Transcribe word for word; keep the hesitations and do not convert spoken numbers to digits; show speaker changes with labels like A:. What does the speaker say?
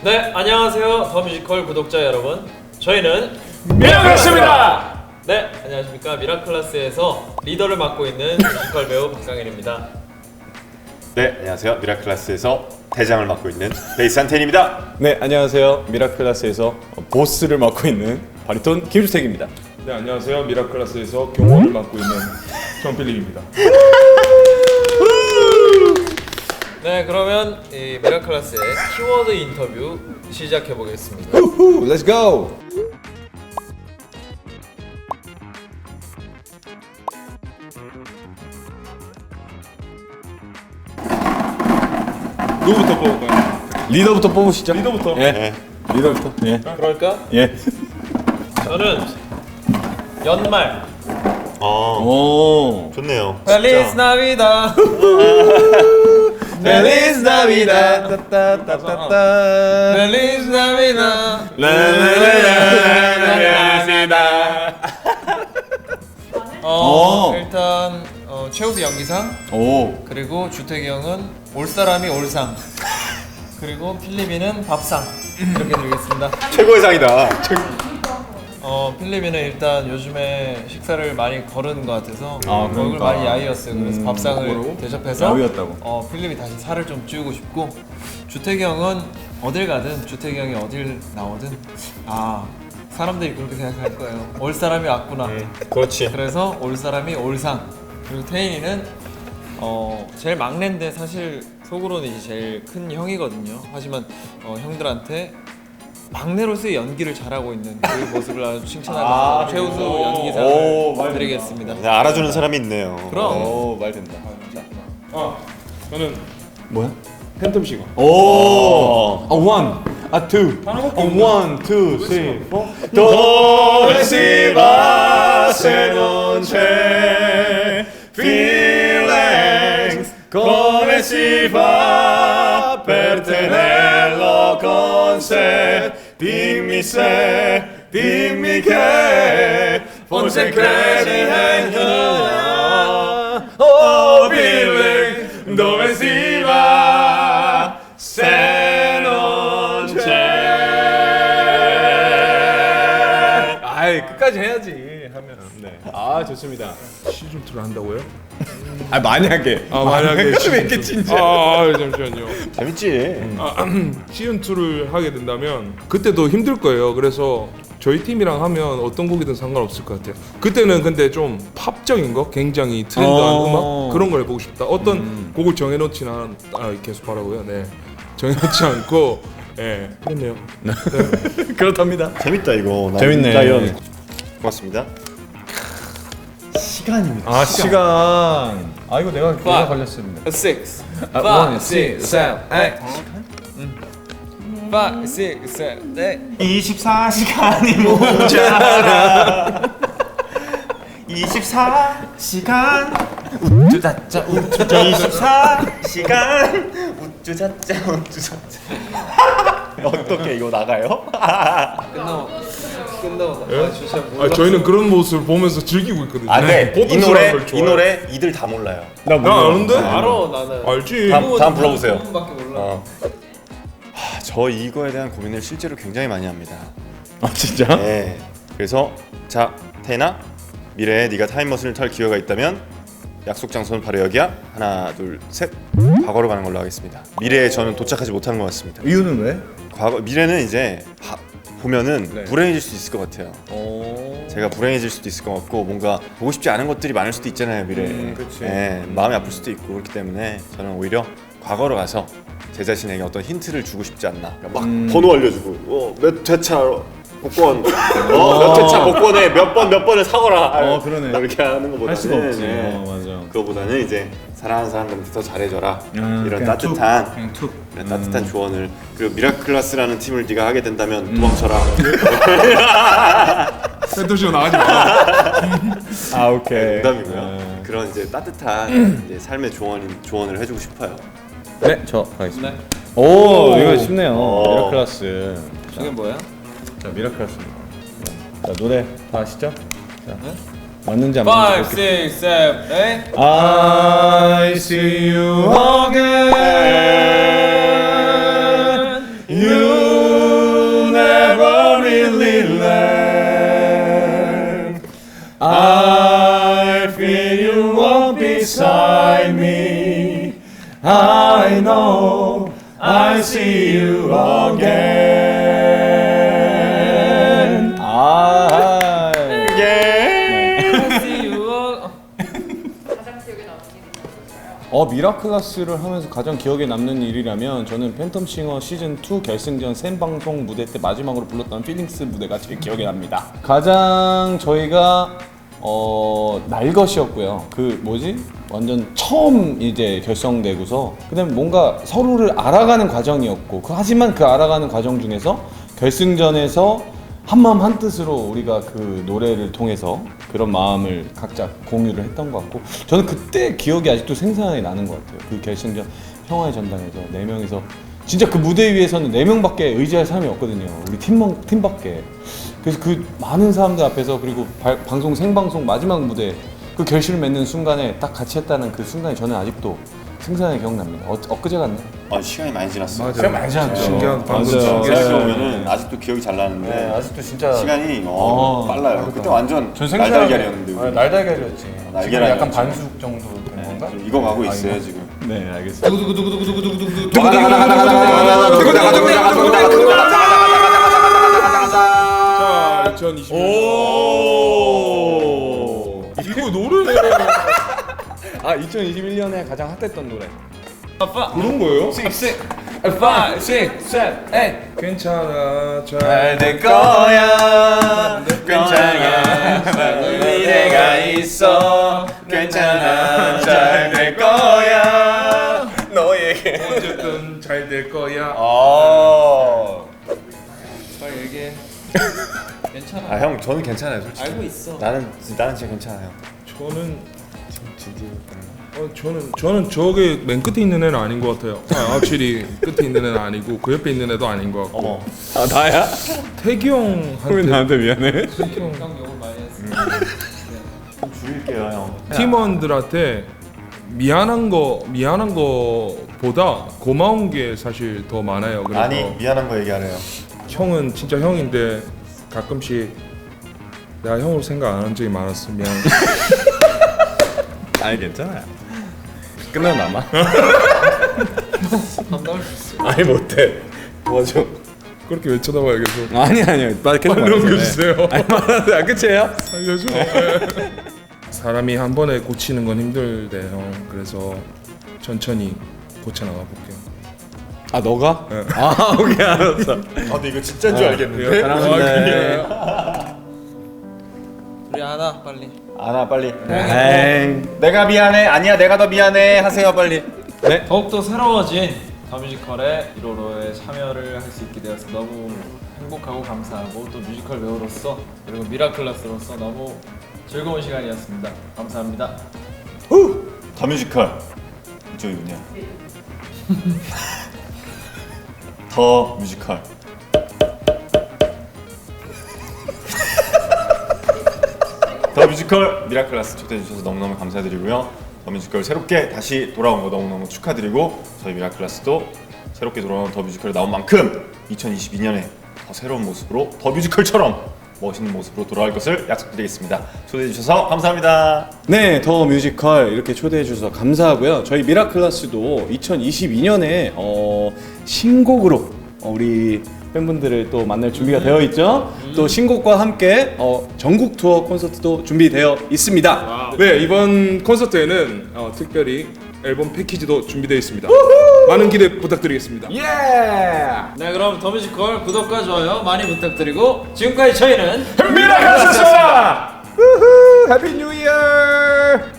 A: 네, 안녕하세요. 더 뮤지컬 구독자 여러분. 저희는
B: 미라클라스입니다.
A: 네, 안녕하십니까. 미라클라스에서 리더를 맡고 있는 뮤지컬 배우 박상현입니다.
C: 네, 안녕하세요. 미라클라스에서 대장을 맡고 있는 베이스 한텐입니다.
B: 네, 안녕하세요. 미라클라스에서 보스를 맡고 있는 바리톤 김주택입니다.
D: 네, 안녕하세요. 미라클라스에서 경호를 맡고 있는 정필립입니다.
A: 네, 그러면 이 미라클라스의 키워드 인터뷰 시작해 보겠습니다.
B: Let's go.
D: 누구부터 뽑을까요?
B: 리더부터 뽑으시죠.
D: 리더부터.
B: 예.
C: 네.
B: 리더부터. 예.
A: 그럴까?
B: 예.
A: 저는 연말.
C: 어,
B: 오.
C: 좋네요.
A: Feliz Navidad.
B: Feliz Navidad. 따따따따따.
A: Feliz Navidad. 어,
B: 오.
A: 일단 어, 최우수 연기상,
B: 오.
A: 그리고 주택이 형은 올 사람이 올상, 그리고 필리비는 밥상 이렇게 드리겠습니다.
C: 최고의 상이다.
A: 어, 필리비는 일단 요즘에 식사를 많이 거르는 것 같아서
B: 아,
A: 얼굴
B: 그러니까.
A: 많이 야위었어요. 그래서
B: 음,
A: 밥상을
B: 뭐라고?
A: 대접해서
B: 야위였다고.
A: 어, 필리비 다시 살을 좀 찌우고 싶고, 주택이 형은 어딜 가든 주택이 형이 어딜 나오든 아 사람들이 그렇게 생각할 거예요. 올 사람이 왔구나.
C: 그렇지.
A: 그래서 올 사람이 올상. 그리고 태인이는 어 제일 막내인데 사실 속으로는 이제 제일 큰 형이거든요. 하지만 어, 형들한테 막내로서의 연기를 잘하고 있는 그 모습을 아주 칭찬하면서
B: 아,
A: 최우수
B: 오,
A: 연기상을
B: 말
A: 드리겠습니다.
C: 네, 알아주는 사람이 있네요.
A: 그럼.
B: 오, 말 된다.
D: 아, 저는
B: 뭐야?
D: 팬텀 시간.
B: 오. 아, one. 아, two. 아, one, two, three, four.
C: Dove si va se non c'è feelings? Come si fa per tenerlo con sé? Dimmi se, dimmi che forse credi in you. Oh, feeling, dove si va se non c'è?
B: 아이, 끝까지 해야지. 하면. 네. 아, 좋습니다.
D: 시즌 이를 한다고요?
B: 아, 만약에.
D: 아, 만약에
B: 왜
D: 시즌
B: 이렇게
D: 투.
B: 진지해?
D: 아, 아, 잠시만요.
C: 재밌지.
D: 시즌 이를 하게 된다면 그때도 힘들 거예요. 그래서 저희 팀이랑 하면 어떤 곡이든 상관없을 것 같아요. 그때는 근데 좀 팝적인 거, 굉장히 트렌드한
B: 어.
D: 음악 그런 걸 해보고 싶다. 어떤 곡을 정해놓지는 않, 아, 계속 하라고요. 네, 정해놓지 않고, 예, 그렇네요.
B: 그렇답니다.
C: 재밌다 이거. 난
B: 재밌네.
C: 라이언. 고맙습니다.
B: 시간입니다. 아, 시간. 아, 이거 내가 내가 걸렸습니다.
A: Six,
B: 아,
A: five,
B: one,
A: six, seven, eight. Five, six, seven, eight.
C: 이십사 시간이 모자라. 이십사 시간 우쭈자짜 우쭈자 이십사 시간 우쭈자짜 우쭈자짜. 어떻게 이거 나가요?
A: 끝나고 끝나고
D: 예?
A: 아 진짜
D: 아, 저희는 그런 모습을 보면서 즐기고 있거든요.
C: 아, 네.
D: 보통
C: 이 노래
D: 사람들
C: 이
D: 좋아해요.
C: 노래 이들 다 몰라요.
B: 나
D: 나 아는데?
A: 알아 나는.
D: 알지.
C: 다음 다음 불러보세요.
A: 밖에 몰라.
C: 어. 하, 저 이거에 대한 고민을 실제로 굉장히 많이 합니다.
B: 아, 진짜?
C: 네. 그래서 자 태나 미래에 네가 타임머신을 탈 기회가 있다면 약속 장소는 바로 여기야. 하나 둘 셋. 과거로 가는 걸로 하겠습니다. 미래에 저는 도착하지 못하는 것 같습니다.
B: 이유는 왜?
C: 과거 미래는 이제 하, 보면은
B: 네.
C: 불행해질 수 있을 것 같아요.
B: 오.
C: 제가 불행해질 수도 있을 것 같고 뭔가 보고 싶지 않은 것들이 많을 수도 있잖아요 미래에.
B: 음, 그치.
C: 예, 마음이 아플 수도 있고 그렇기 때문에 저는 오히려 과거로 가서 제 자신에게 어떤 힌트를 주고 싶지 않나. 막
B: 음.
C: 번호 알려주고 어, 몇 회차 복권, 어, 몇 회차 복권에 몇 번 몇 번을 사거라.
B: 어, 그러네.
C: 이렇게 하는 것보다는
B: 할 수가 없지.
C: 예,
B: 어, 맞아.
C: 그거보다는 이제 사랑하는 사람들한테 더 잘해줘라.
B: 음,
C: 이런
B: 그냥
C: 따뜻한
B: 툭, 그냥 툭.
C: 이런 따뜻한 조언을. 그리고 미라클라스라는 팀을 네가 하게 된다면 도망쳐라.
D: 팬텀 시간 나가지 마.
B: 아, 오케이.
C: 농담이고요.
B: 네.
C: 그런 이제 따뜻한 이제 삶의 조언 조언을 해주고 싶어요.
B: 네, 저 가겠습니다.
A: 네.
B: 오, 이거 쉽네요.
C: 오.
B: 미라클라스.
A: 저게 뭐야?
B: 자, 미라클라스입니다. 자, 노래 다 아시죠? 자,
A: 네?
B: 맞는지 안
A: Five,
B: 맞는지 볼게요.
A: six, seven, eight.
B: I see you again. You I know I'll see you again. 아,
A: See you.
E: 가장 기억에 남는 일이 있었을까요?
B: 어 미라클라스를 하면서 가장 기억에 남는 일이라면 저는 팬텀싱어 시즌 투 결승전 생방송 무대 때 마지막으로 불렀던 필링스 무대가 제일 기억에 납니다. 가장 저희가 어 날것이었고요. 그 뭐지? 완전 처음 이제 결성되고서 그다음에 뭔가 서로를 알아가는 과정이었고 그 하지만 그 알아가는 과정 중에서 결승전에서 한마음 한뜻으로 우리가 그 노래를 통해서 그런 마음을 각자 공유를 했던 것 같고 저는 그때 기억이 아직도 생생하게 나는 것 같아요. 그 결승전 평화의 전당에서 네 명이서 진짜 그 무대 위에서는 네 명밖에 의지할 사람이 없거든요. 우리 팀, 팀밖에. 그래서 그 많은 사람들 앞에서 그리고 발, 방송 생방송 마지막 무대 그 결실을 맺는 순간에 딱 같이 했다는 그 순간이 저는 아직도 생생하게 기억납니다. 어, 엊그제 같네.
C: 아 시간이 많이 지났어요.
D: 맞아요.
B: 많이 지났죠.
D: 신기한 방송
B: 맞아요.
D: 중계했어요.
C: 생각해보면은 아직도 기억이 잘 나는데
B: 네, 아직도 진짜
C: 시간이 어,
B: 어,
C: 빨라요. 그때 완전
B: 전 생생하게-
C: 날달걀이었는데 우리.
B: 아, 날달걀이었지.
C: 날달걀
B: 지금 약간
C: 아니었죠.
B: 반숙 정도 된 건가?
C: 좀 익어가고 있어요 지금.
B: 네, 알겠습니다.
D: 자, 이천이십 년.
B: 오.
D: 이거 노래네.
B: 아, 이천이십일 년에 가장 핫했던 노래.
A: 아빠.
D: 그런 거예요?
A: six, five, six, seven, eight.
D: 괜찮아. 잘
B: 될 거야. 괜찮아. 미래가 있어. 괜찮아. 잘 될 거야. 너에게.
D: 어쨌든 잘 될 거야.
B: 어.
A: 빨리 얘기해. 괜찮아.
C: 아 형 저는 괜찮아요 솔직히.
A: 알고 있어.
C: 나는 나는 진짜 괜찮아요.
D: 저는 어, 저는 저는 저게 맨 끝에 있는 애는 아닌 것 같아요. 아, 확실히 끝에 있는 애는 아니고 그 옆에 있는 애도 아닌 것 같고.
C: 어머.
B: 아, 나야?
D: 태기 형한테
B: 왜 나한테 미안해?
D: 태기 형
A: 형 욕을 많이 했어.
C: 좀 줄일게요 형.
D: 팀원들한테 미안한 거 미안한 거보다 고마운 게 사실 더 많아요. 그래서
C: 아니 미안한 거 얘기하래요.
D: 형은 진짜 형인데 가끔씩 내가 형으로 생각 안 한 적이 많았어. 미안.
B: 아니, 괜찮아요. 끝나면 남아.
A: 감당할 수 있어.
B: 아니, 못해. 도와줘.
D: 그렇게 왜 쳐다봐요 계속.
B: 아니, 아니요. 빨리 계속
D: 빨리
B: 말하세요.
D: 넘겨주세요.
B: 아니, 말하세요. 아, 끝이에요?
D: 알려줘. 사람이 한 번에 고치는 건 힘들대 형. 그래서 천천히 고쳐나가 볼게요.
B: 아, 너가?
D: 네.
B: 아, 오케이, 알았어.
C: 아 근데 이거 진짜인 줄 알겠는데.
B: 사랑합니다.
A: 우리 하나 빨리.
C: 아나 빨리.
B: 엥.
C: 내가 미안해. 아니야 내가 더 미안해. 하세요 빨리.
B: 네.
A: 더욱더 새로워진 더 뮤지컬에 일 호로에 참여를 할 수 있게 되어서 너무 행복하고 감사하고 또 뮤지컬 배우로서 그리고 미라클라스로서 너무 즐거운 시간이었습니다. 감사합니다.
C: 더 뮤지컬 이쪽이군요. 더 뮤지컬. 더 뮤지컬 미라클라스 초대해 주셔서 너무너무 감사드리고요. 더 뮤지컬 새롭게 다시 돌아온 거 너무너무 축하드리고 저희 미라클라스도 새롭게 돌아온 더 뮤지컬에 나온 만큼 이천이십이 년에 더 새로운 모습으로 더 뮤지컬처럼 멋있는 모습으로 돌아올 것을 약속드리겠습니다. 초대해 주셔서 감사합니다.
B: 네, 더 뮤지컬 이렇게 초대해 주셔서 감사하고요. 저희 미라클라스도 이천이십이 년에 어, 신곡으로 어, 우리 팬분들을 또 만날 준비가 되어 있죠. 또 신곡과 함께 어, 전국 투어 콘서트도 준비되어 있습니다.
D: 네 이번 콘서트에는 어, 특별히 앨범 패키지도 준비되어 있습니다. 많은 기대 부탁드리겠습니다.
B: 예!
A: 네, 그럼 더 뮤지컬 구독과 좋아요 많이 부탁드리고 지금까지 저희는
B: 미라클라스였습니다. 우후, 해피 뉴 이어!